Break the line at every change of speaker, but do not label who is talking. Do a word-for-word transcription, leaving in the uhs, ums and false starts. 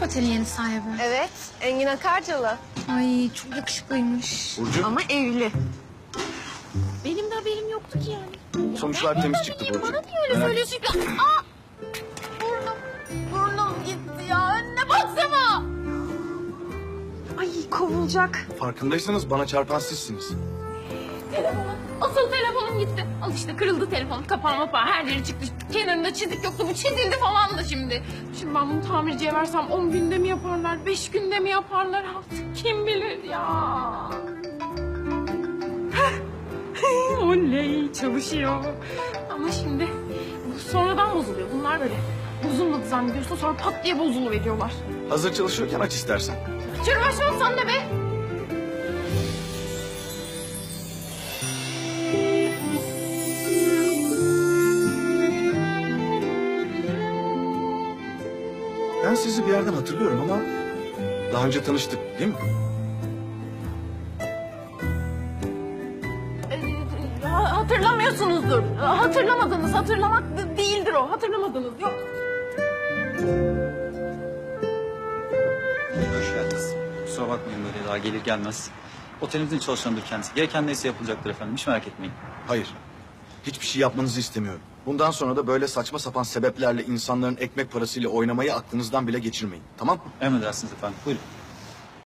otelin yeni sahibi?
Evet, Engin Akarcalı.
Ay çok yakışıklıymış.
Burcu,
Ama evli.
Benim de haberim yoktu ki yani.
sonuçlar temiz çıktı Burcu.
Bana niye öyle
Merak
söylüyorsun ki? Aa! Burnum, burnum gitti ya. Önüne baksana.
Ay kovulacak.
Farkındaysanız bana çarpan sizsiniz.
Telefonum, asıl telefonum gitti. Al işte kırıldı telefon. Kapanma falan her yeri çıktı. Kenarında çizik yoktu. Bu çizildi falan da şimdi. Şimdi ben bunu tamirciye versem on günde mi yaparlar? Beş günde mi yaparlar artık? Kim bilir ya. Oley çalışıyor. Ama şimdi bu sonradan bozuluyor. Bunlar böyle bozulmadı zannediyorsun sonra pat diye bozuluveriyorlar.
Hazır çalışıyorken aç istersen.
Çürü başlamam sen de be.
Ben sizi bir yerden hatırlıyorum ama daha önce tanıştık değil mi?
Ee, ha- Hatırlamıyorsunuzdur. Hatırlamadınız. Hatırlamak d- değildir o. Hatırlamadınız. Yok.
Hoş geldiniz. Kusura bakmayın böyle daha gelir gelmez. Otelimizin çalışanıdır kendisi. Gereken neyse yapılacaktır efendim. Hiç merak etmeyin.
Hayır. Hiçbir şey yapmanızı istemiyorum. Bundan sonra da böyle saçma sapan sebeplerle insanların ekmek parasıyla oynamayı aklınızdan bile geçirmeyin. Tamam mı?
Emredersiniz efendim. Buyurun.